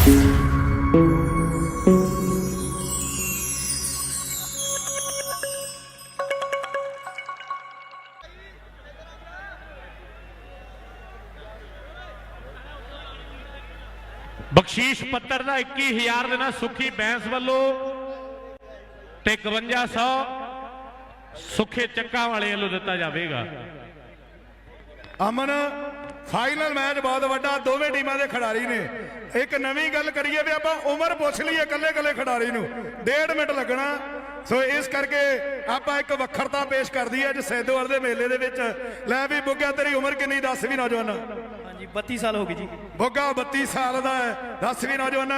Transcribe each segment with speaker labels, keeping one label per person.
Speaker 1: बख्शीश पत्र का 21,000 देना सुखी बैंस वालों ते 5100 सुखे चक्का वाले वालों दिता जाएगा।
Speaker 2: अमन फाइनल मैच बहुत वड्डा, दोवें टीमां दे खिडारी ने। एक नवीं गल करिए भी आपां उमर पुछ लईए कल्ले कल्ले खिडारी नूं 1.5 मिनट लगना, सो इस करके आपां एक वखरता पेश कर दी अज सैदोवाल दे मेले दे विच। लै भी बुग्गा तेरी उमर किन्नी दस भी नौजवान?
Speaker 3: हाँ जी 32 साल हो गई जी।
Speaker 2: बुग्गा 32 साल दा है, दस भी नौजवान।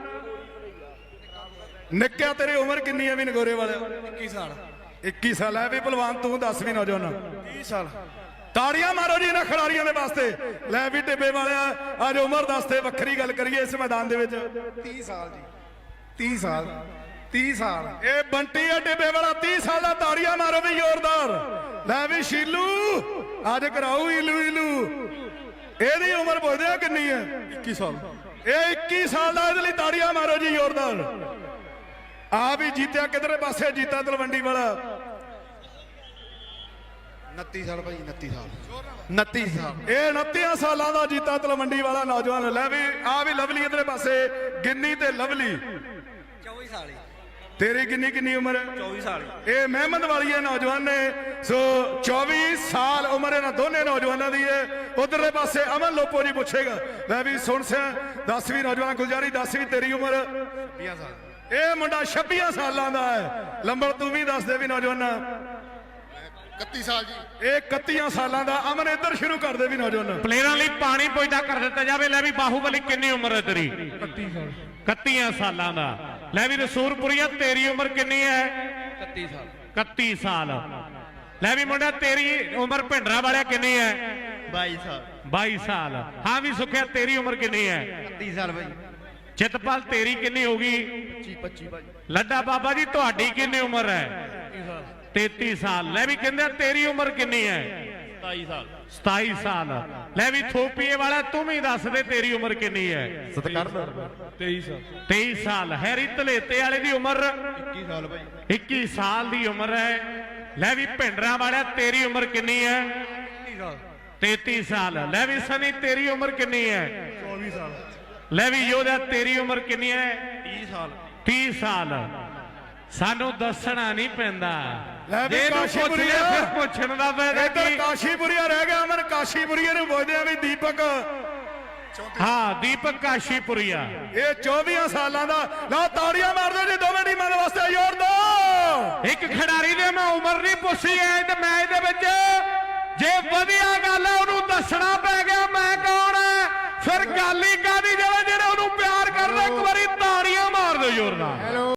Speaker 2: निक्किया तेरी उमर किन्नी है भी नगोरे वाले?
Speaker 3: 21 साल।
Speaker 2: 21 साल है भी भलवान, तू दस भी नौजवान?
Speaker 3: 30 साल।
Speaker 2: ताड़ियां मारो जी इन्हां खिडारियां दे वास्ते। लै भी टिब्बे वाले अज उमर दसते वक्खरी गल करिए इस मैदान दे विच।
Speaker 3: 30 साल जी। 30 साल। 30 साल।
Speaker 2: ये बंटी है टिब्बे वाला 30 साल का। ताड़ियां मारो भी जोरदार। लै भी शीलू अज कराऊ इलू इलू। एदी उमर पुछदे किन्नी है? 21 साल। ये 21 साल का, इहदे लई ताड़ियां मारो जी जोरदार। आ भी जीत्या किधरे पासे? जीता तलवंडी वाला
Speaker 3: 29 साल भाई। 29 साल। 29 साल।
Speaker 2: ये 29 सालों का जीता तलवंडी वाला नौजवान। लै भी आ भी लवली इधरे पासे गिन्नी ते लवली।
Speaker 3: 24 साल।
Speaker 2: तेरी किन्नी किन्नी उम्र?
Speaker 3: 24 साल।
Speaker 2: ये मेहमद वाली है नौजवान ने। सो 24 साल उम्र इन्होंने दोनों नौजवानों की है। उधरले पासे अमन लोपो जी पूछेगा। मैं भी सुन सा 10वीं नौजवान गुलजारी 10वीं तेरी उम्र?
Speaker 3: 20 साल।
Speaker 2: ये मुंडा 26 सालों का है। लंबर तू भी दस दे भी नौजवान?
Speaker 3: 31 साल जी।
Speaker 2: ये 31 सालों का। अमन इधर शुरू कर दे भी नौजवान।
Speaker 1: प्लेयरां लई पानी पुजदा कर दिता जाए। लै भी बाहुबली किन्नी उम्र है तेरी?
Speaker 3: 31 साल।
Speaker 1: 31 सालों का। लै भी रसूलपुरिया तेरी उम्र किन्नी है?
Speaker 3: 31 साल।
Speaker 1: 31 साल। लै भी मुंडा तेरी उम्र भिंडरा वाले किन्नी है?
Speaker 3: 22 साल।
Speaker 1: 22 साल। हाँ भी सुखिया तेरी उम्र किन्नी है?
Speaker 3: 30 साल भाई।
Speaker 1: चितपाल तेरी किन्नी होगी?
Speaker 3: 25 भाई।
Speaker 1: लड्डा बाबा जी तुहाडी किन्नी उम्र है? 33 साल। लै भी कहंदे तेरी उम्र किन्नी है?
Speaker 3: 27 साल।
Speaker 1: 27 साल। लै भी थोपीए वाला तू भी दस दे तेरी उम्र किन्नी है?
Speaker 3: 23 साल।
Speaker 1: 23 साल। हैरी धलेते वाले दी उम्र?
Speaker 3: 21 साल भाई।
Speaker 1: 21 साल दी उम्र है। लै भी भिंडरा वाला तेरी उम्र किन्नी है?
Speaker 3: 30 साल।
Speaker 1: 33 साल। लै भी सनी तेरी उम्र किन्नी है?
Speaker 3: 24 साल।
Speaker 1: लै भी योधा तेरी उम्र किन्नी है?
Speaker 3: 30 साल।
Speaker 1: 30 साल। सानू दसना नहीं पैंदा।
Speaker 2: लै भी काशीपुरिया
Speaker 1: फिर पुछण दा फायदा
Speaker 2: इधर
Speaker 1: की?
Speaker 2: काशीपुरिया रह गया। अमन काशीपुरिया नूं पुछदे आ भी दीपक।
Speaker 1: हाँ दीपक काशीपुरिया
Speaker 2: ये 24 सालों का। लो ताड़ियां मार दो जी दोवें टीमां दे वास्ते जोर दो।
Speaker 1: एक खिडारी दे मैं उम्र नहीं पुछी है ते मैच दे विच जे वधिया गल है उन्होंने दसना पै गया मैं कौन है, फिर गल ही कादी। जेड़े जेड़े उन्होंने प्यार करदा एक बारी ताड़ियां मार दो जोरदार।